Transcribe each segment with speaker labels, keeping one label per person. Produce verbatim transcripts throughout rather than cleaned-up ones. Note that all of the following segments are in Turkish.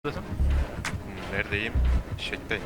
Speaker 1: Neredesin?
Speaker 2: Neredeyim? Şekteyim.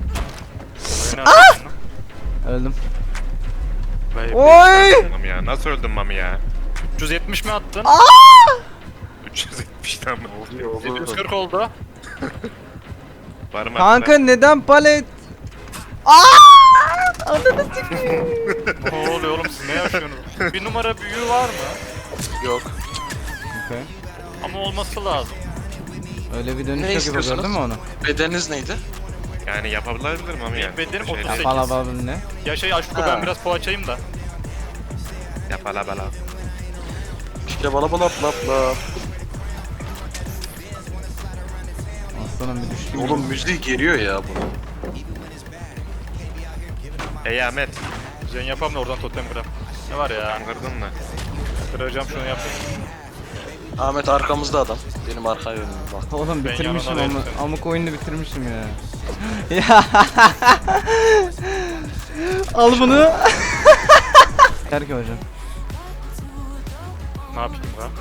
Speaker 3: Öldüm.
Speaker 1: Vay be.
Speaker 3: Oy!
Speaker 2: Mami ya nasıl öldün Mami ya?
Speaker 1: üç yüz yetmiş mi attın?
Speaker 2: üç yüz yetmiş tane oldu.
Speaker 1: yedi yüz kırk oldu.
Speaker 2: Var mı?
Speaker 3: Kanka neden palet? Aa! Ananı sikeyim.
Speaker 1: Ne oluyor oğlum, siz ne yaşıyorsunuz? Bir numara büyüğü var mı?
Speaker 4: Yok.
Speaker 3: Okay.
Speaker 1: Ama olması lazım.
Speaker 3: Öyle bir
Speaker 4: Ne
Speaker 3: dönüş yok gibi
Speaker 4: istiyorsunuz?
Speaker 3: gördün mü onu?
Speaker 4: Bedeniniz neydi?
Speaker 2: Yani yapabilir Mami ya.
Speaker 1: Benim
Speaker 2: Bir
Speaker 1: otuz
Speaker 2: şey
Speaker 1: sekiz.
Speaker 3: Bala bala ne?
Speaker 1: Ya şey Aşko,
Speaker 4: Ha.
Speaker 1: ben biraz poğaçayım da.
Speaker 2: Yapala bala.
Speaker 4: İşte bala bala bla bla.
Speaker 3: Aslanım bir düştüm.
Speaker 4: Oğlum müziği geriyor ya bunu.
Speaker 2: Ey Ahmet.
Speaker 1: Jen yapam da oradan totem kıram. Ne var ya?
Speaker 2: Kandırdın mı?
Speaker 1: Kıracağım şunu yapayım.
Speaker 4: Ahmet arkamızda adam. Benim arka yönüm bak.
Speaker 3: Oğlum
Speaker 1: Ben
Speaker 3: bitirmişim
Speaker 1: yanına
Speaker 3: ama
Speaker 1: değilsin.
Speaker 3: amık oyunu bitirmişim ya. Ya. Al bunu. Yeter ki hocam.
Speaker 1: Ne yapayım lan?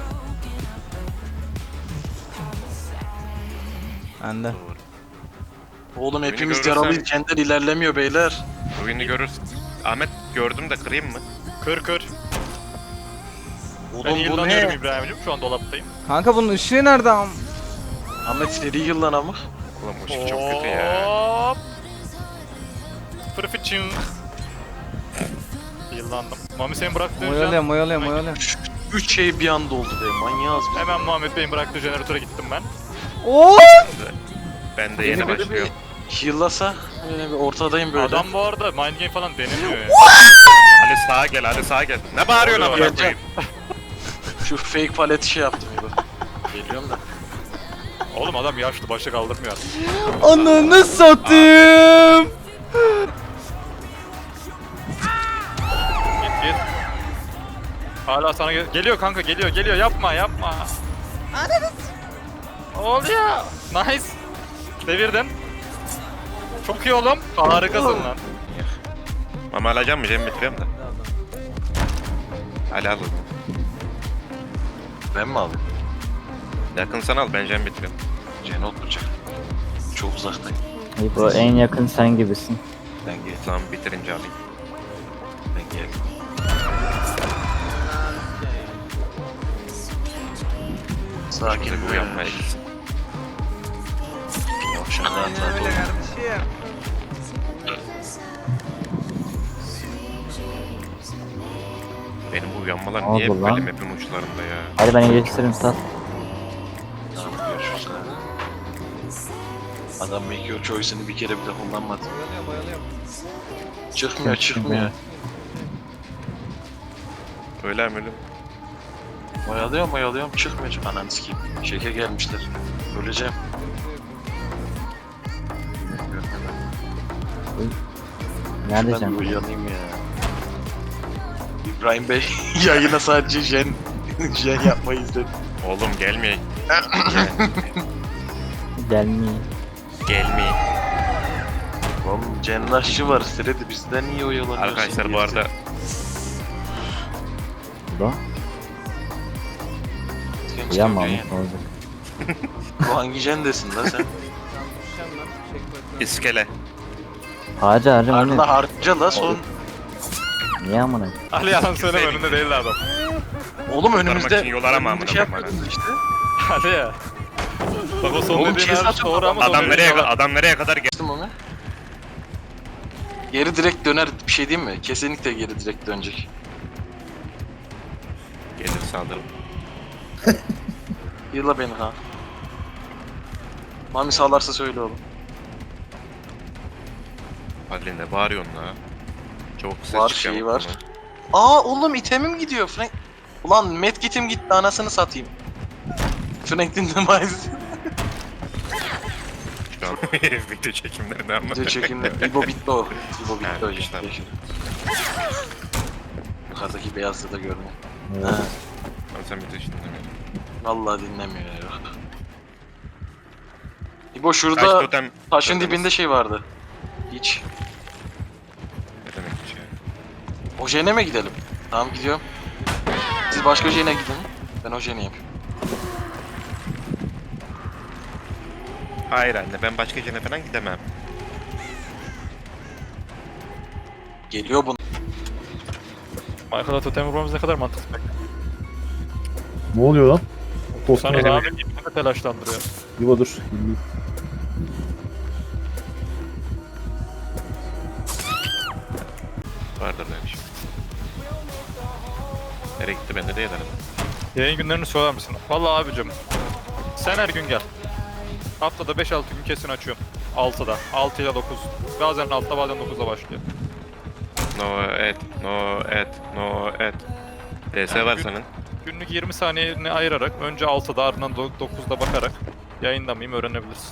Speaker 3: Bende.
Speaker 4: Oğlum
Speaker 2: Beni
Speaker 4: hepimiz
Speaker 2: görürsen-
Speaker 4: yaralıyız. Kendileri ilerlemiyor beyler.
Speaker 2: Oyunu görürsün. Ahmet gördüm de kırayım mı?
Speaker 1: Kır kır. Ben
Speaker 4: Oğlum bu
Speaker 1: yıllanıyorum
Speaker 4: ne?
Speaker 1: İbrahim'cim, şu an dolaptayım.
Speaker 3: Kanka bunun ışığı nerede am?
Speaker 4: Ahmet seri yıllan ama.
Speaker 2: Ulan bu ışık çok kötü ya.
Speaker 1: Hop. Fırfıçın. Yıllandım. Mami senin bıraktığın
Speaker 3: Moyalıyorum
Speaker 1: can.
Speaker 3: moyalıyorum moyalıyorum.
Speaker 4: Üç şey bir anda oldu be. Manyağız biz.
Speaker 1: Hemen Muhammed Bey'in bıraktığı jeneratöre gittim ben.
Speaker 3: Oo!
Speaker 2: Ben de
Speaker 4: Beni
Speaker 2: yeni
Speaker 4: böyle
Speaker 2: başlıyorum.
Speaker 4: bir heal'lasa böyle bir ortadayım böyle.
Speaker 1: Adam bu arada mind game falan denemiyor ya.
Speaker 2: Ali sağa gel, Ali sağa gel. Ne bağırıyorsun
Speaker 1: Oluyor,
Speaker 2: amına
Speaker 4: geleceğim.
Speaker 2: koyayım?
Speaker 4: Şu fake paleti şey yaptım gibi. Geliyorum da.
Speaker 1: Oğlum adam yaşlı, başı kaldırmıyor artık.
Speaker 3: Ananı satayım.
Speaker 1: Git git. Hala sana gel geliyor kanka, geliyor geliyor, yapma yapma. Oluyor. Nice. Devirdin. Çok iyi oğlum. Harikasın lan.
Speaker 2: Mami alacağım mı? Cem bitiriyorum da. Ali al.
Speaker 4: Ben mi alayım?
Speaker 2: Yakın sana al, ben Cem bitiriyorum.
Speaker 4: Cene oturacak. Çok uzaktayım.
Speaker 5: İbo en yakın sen gibisin.
Speaker 4: Ben gel.
Speaker 2: Tamam bitirince alayım.
Speaker 4: Ben gel. Sakin
Speaker 2: Şimdi bu
Speaker 4: be.
Speaker 2: yapmaya gitsin.
Speaker 4: Yavşan rahat rahat ol.
Speaker 2: Benim bu uyanmalar
Speaker 5: Ne
Speaker 2: niye
Speaker 5: oldu
Speaker 2: böyle
Speaker 5: lan?
Speaker 2: map'in uçlarında ya?
Speaker 5: Hadi ben iyileştiririm sat.
Speaker 4: Tamam görüşürüz. Adam make your choice'ını bir kere bile kullanmadı. Çıkmıyor çıkmıyor.
Speaker 2: Öyle mi öyle?
Speaker 4: Oyalıyorum oyalıyorum çıkmıyor. Ananı sikeyim. Şeke gelmişler. Öleceğim.
Speaker 5: Nerede
Speaker 4: Ben
Speaker 5: can?
Speaker 4: bir uyanayım ya. İbrahim Bey yayına sadece jen jen yapmayı izledi.
Speaker 2: Oğlum gelmiyor.
Speaker 5: Gelmiyor.
Speaker 2: Gelmiyor.
Speaker 4: Oğlum cennaşçı var. Sırada bizden iyi oyalanıyorsun.
Speaker 2: Arkadaşlar bu arada
Speaker 5: İbo. Uyanma mı? Olacak.
Speaker 4: Bu hangi jendesin lan sen?
Speaker 2: iskele.
Speaker 5: Harca harca o ne?
Speaker 4: Harla harca la son.
Speaker 5: Niye amına?
Speaker 1: Ali yalan söyleme, önünde değildi adam.
Speaker 4: Oğlum
Speaker 2: Kurtarmak
Speaker 4: önümüzde
Speaker 2: için yol arama amına
Speaker 4: bir şey
Speaker 2: koyayım
Speaker 4: yapıyordun işte.
Speaker 1: Hadi ya. Bak o son
Speaker 4: Oğlum,
Speaker 1: dediğin
Speaker 4: şey
Speaker 1: her
Speaker 4: zaten
Speaker 1: doğru ama son
Speaker 2: Adam
Speaker 1: dediğin
Speaker 2: nereye
Speaker 1: yalan.
Speaker 2: adam nereye kadar gel?
Speaker 4: Geçtim onu. Geri direkt döner bir şey diyeyim mi? Kesinlikle geri direkt dönecek.
Speaker 2: Gelir saldırım.
Speaker 4: Yıla beni ha. Mami sağlarsa söyle oğlum.
Speaker 2: Ali ne bağırıyorsun la? Çok ses
Speaker 4: Var,
Speaker 2: çıkıyor
Speaker 4: şeyi
Speaker 2: bunun.
Speaker 4: var. Aa oğlum itemim gidiyor Frank. Ulan medkit'im gitti anasını satayım. Frank'in demise.
Speaker 2: Şu an video çekimlerinde ama.
Speaker 4: Video çekimde. İbo bitti o. İbo bitti
Speaker 2: Ha,
Speaker 4: o.
Speaker 2: bitmiş, tamam.
Speaker 4: Yukarıdaki beyazlığı da görme.
Speaker 5: Evet.
Speaker 4: Ha,
Speaker 2: Tamam sen video için dinlemiyorsun.
Speaker 4: vallahi dinlemiyor ya. İbo
Speaker 2: Kaç
Speaker 4: şurada
Speaker 2: totem?
Speaker 4: taşın
Speaker 2: totem-
Speaker 4: dibinde şey vardı. Hiç.
Speaker 2: Ne demek bir şey?
Speaker 4: O jene mi gidelim? Tamam gidiyorum. Siz başka jene gidin. Ben o jene yapayım.
Speaker 2: Hayır anne ben başka yere falan gidemem.
Speaker 4: Geliyor bunu.
Speaker 1: Michael'a totem vurmamız ne kadar mantıklı.
Speaker 6: Ne oluyor lan?
Speaker 1: Sana
Speaker 6: Tosma.
Speaker 1: abi gitmeni telaşlandırıyor.
Speaker 6: Yuva dur.
Speaker 2: Vardır böyle bir şey. Nereye gitti bende değil arada.
Speaker 1: Yayın günlerini söyler misin? Vallahi abicim. Sen her gün gel. Haftada beş altı gün kesin açıyorum. altıda. altı ile dokuz. Bazen altıda bazen dokuzda başlıyor.
Speaker 2: No et, no et, no et. D S var
Speaker 1: Gün-
Speaker 2: senin.
Speaker 1: Günlük yirmi saniyeni ayırarak önce altıda ardından do- dokuzda bakarak yayında mıyım öğrenebilirsin.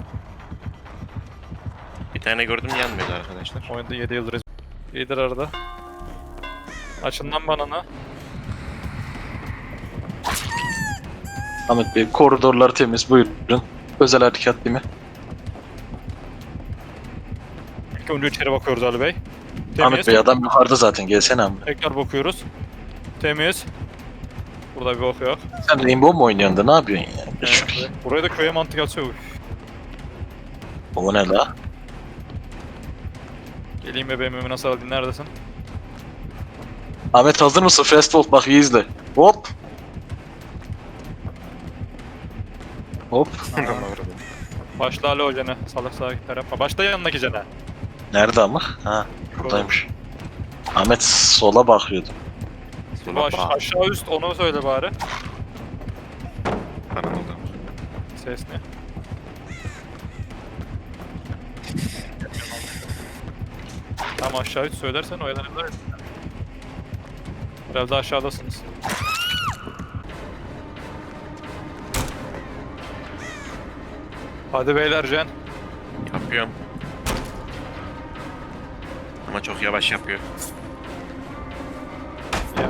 Speaker 2: Bir tane gördüm yanmıyordu arkadaşlar.
Speaker 1: Oyunda yedi yıldır iyidir arada. Açın lan banana.
Speaker 4: Ahmet Bey koridorlar temiz buyurun. Özel harekat değil mi?
Speaker 1: İlk önce içeri bakıyoruz Ali Bey.
Speaker 4: Ahmet
Speaker 1: Temiz.
Speaker 4: Bey adam yukarıda zaten gelsene Ahmet.
Speaker 1: Tekrar bakıyoruz. Temiz. Burada bir bok yok.
Speaker 4: Sen Rainbow mu oynuyorsun da ne yapıyorsun ya?
Speaker 1: Evet. Buraya da köye mantık atıyor.
Speaker 4: O ne la?
Speaker 1: Geleyim bebeğim Emin nasıl aldın neredesin?
Speaker 4: Ahmet hazır mısın? Fast Fold bak iyi izle. Hop. Hop.
Speaker 1: Başla Ali hocana. Salak salak tarafa. Başla yanındaki cene.
Speaker 4: Nerede ama? Ha buradaymış. Ahmet sola bakıyordu.
Speaker 1: Bu aş- aşağı üst onu söyle bari.
Speaker 2: Bana oldu.
Speaker 1: Ses ne? Tam aşağı üst söylersen oyalanırlar. Biraz daha aşağıdasınız. Hadi beyler Jen.
Speaker 2: Yapıyorum. Ama çok yavaş yapıyor.
Speaker 1: Yani.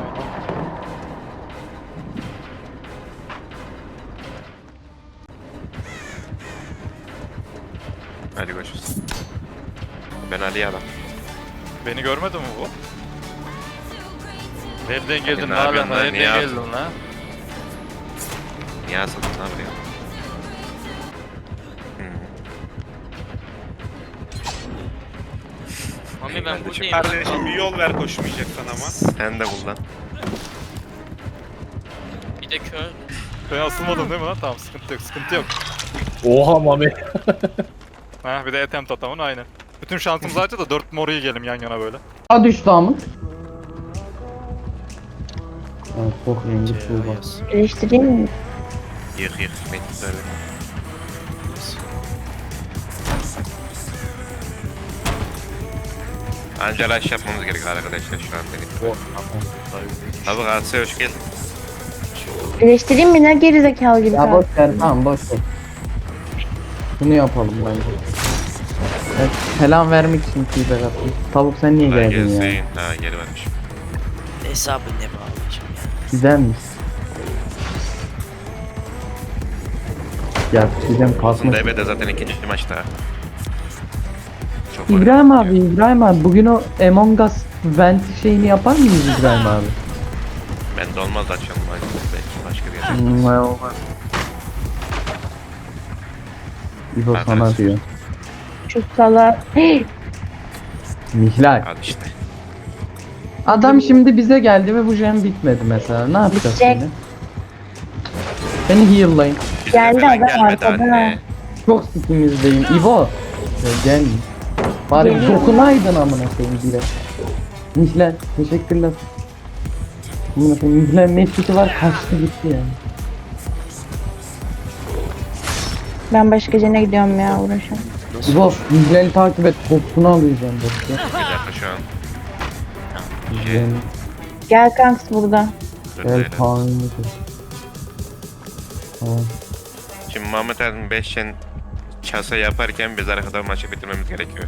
Speaker 2: Hadi görüşürüz. Ben Ali'ye alam.
Speaker 1: Beni görmedi mi bu? Nereden geldin
Speaker 2: ne
Speaker 1: lan?
Speaker 2: yapıyorsun lan?
Speaker 1: Nereden
Speaker 2: Niye
Speaker 1: geldin lan?
Speaker 2: Niye asıldın lan buraya? Hmm.
Speaker 7: Mami ben
Speaker 2: Kardeşim,
Speaker 7: buradayım.
Speaker 8: Kardeşim bir yol ver koşmayacaksan ama.
Speaker 2: Sen de kullan.
Speaker 7: Bir de kör.
Speaker 1: Ben asılmadım değil mi lan? Tamam sıkıntı yok sıkıntı yok.
Speaker 6: Oha Mami.
Speaker 1: Ha bir de etem tatamın aynı. Bütün şansımızı harca da dört moru yiyelim yan yana böyle.
Speaker 3: A düştü Ahmet. Evet, çok rengi bu bak.
Speaker 9: Eleştireyim mi?
Speaker 2: Yık yık. Metin söyle. Anca rush yapmamız gerekiyor arkadaşlar şu an benim. Abi Galatasaray hoş geldin.
Speaker 9: Eleştireyim mi? Ne gerizekalı gibi
Speaker 3: Ya
Speaker 9: kaldı.
Speaker 3: boş ver tamam boş ver. Bunu yapalım bence. Evet, selam vermek için feedback attım. Tavuk sen niye
Speaker 2: Kolay
Speaker 3: geldin ya?
Speaker 2: gelsin. Ha geri varmış.
Speaker 7: Hesabı ne bağlayacağım ya.
Speaker 3: Güzelmiş. Ya Çiğdem
Speaker 2: Olsun
Speaker 3: kalkmış.
Speaker 2: D B'de zaten ikinci maçta. Çok
Speaker 3: İbrahim
Speaker 2: oynadık
Speaker 3: abi,
Speaker 2: ya.
Speaker 3: İbrahim abi bugün o Among Us vent şeyini yapar mıyız İbrahim abi?
Speaker 2: Bende olmaz da açalım. Belki başka bir yerde.
Speaker 3: Hmm, vay olmaz. İbo
Speaker 2: Hadi
Speaker 3: sana
Speaker 2: olsun.
Speaker 3: diyor.
Speaker 9: Çok salak. Hey!
Speaker 3: Mihlal.
Speaker 2: Al işte.
Speaker 3: Adam şimdi bize geldi ve bu jam bitmedi mesela. Ne yapacağız
Speaker 9: Bitecek.
Speaker 3: şimdi? Beni heal'layın.
Speaker 2: Bize
Speaker 9: Geldi
Speaker 2: falan
Speaker 9: adam
Speaker 2: gelmedi
Speaker 9: arkada.
Speaker 2: anne.
Speaker 3: Çok sikimizdeyim. İbo. Ya gel. Bari
Speaker 9: Geliyorum.
Speaker 3: dokunaydın amına koyayım bile. Mihlal teşekkürler. Amına koyayım Mihlal metkisi var kaçtı gitti yani.
Speaker 9: Ben başka cene gidiyorum ya uğraşam.
Speaker 3: İbo Mihlal'i takip et. Topunu alacağım bak ya.
Speaker 2: Bir dakika şu an.
Speaker 3: Jen,
Speaker 9: Gel kanks burada.
Speaker 2: Dur
Speaker 3: Gel
Speaker 2: böyle.
Speaker 3: Kaan'ı. Tamam.
Speaker 2: Şimdi Muhammed Erdoğan beş yen kasa yaparken biz arkada maçı bitirmemiz gerekiyor.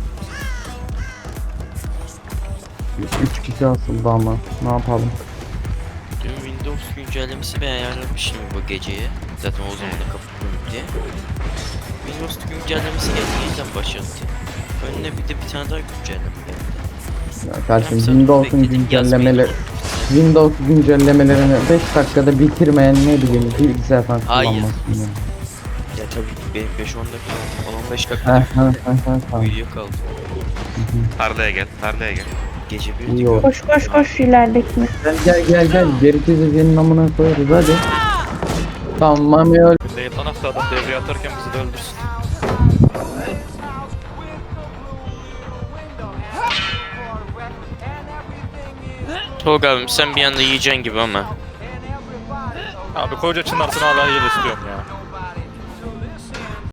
Speaker 3: Üç kişi asıldı ama ne yapalım?
Speaker 7: Dün Windows güncellemesi ben ayarlamıştım bu geceye. Zaten o zaman da kapatıyorum diye. Windows güncellemesi geldiğinden başladı. Önüne bir de bir tane daha güncelleme geldi.
Speaker 3: Ya kardeşim
Speaker 7: Yarım saat
Speaker 3: Windows'un
Speaker 7: bekledim,
Speaker 3: güncellemeleri
Speaker 7: yazmayı
Speaker 3: Windows güncellemelerini beş dakikada bitirmeyen ne bileyim bilgisayar falan
Speaker 7: Hayır.
Speaker 3: kullanmasın ya.
Speaker 7: Ya tabii benim beş on dakika, on on beş
Speaker 3: Heh,
Speaker 7: dakika
Speaker 3: heh, heh, heh, tamam.
Speaker 7: uyuyor kaldı.
Speaker 2: Tarlaya gel, tarlaya gel.
Speaker 7: Gece bir
Speaker 3: İyi oldu.
Speaker 9: Koş koş koş ileridekine.
Speaker 3: Gel gel gel gel. Gerekirse senin amına koyarız hadi. Tamam Mami öl.
Speaker 1: Değil lan hasta adam devreye atarken bizi de öldürsün.
Speaker 7: Tolga abim sen bir anda yiyeceksin gibi ama.
Speaker 1: Abi koca çınartını hala heal istiyorum ya.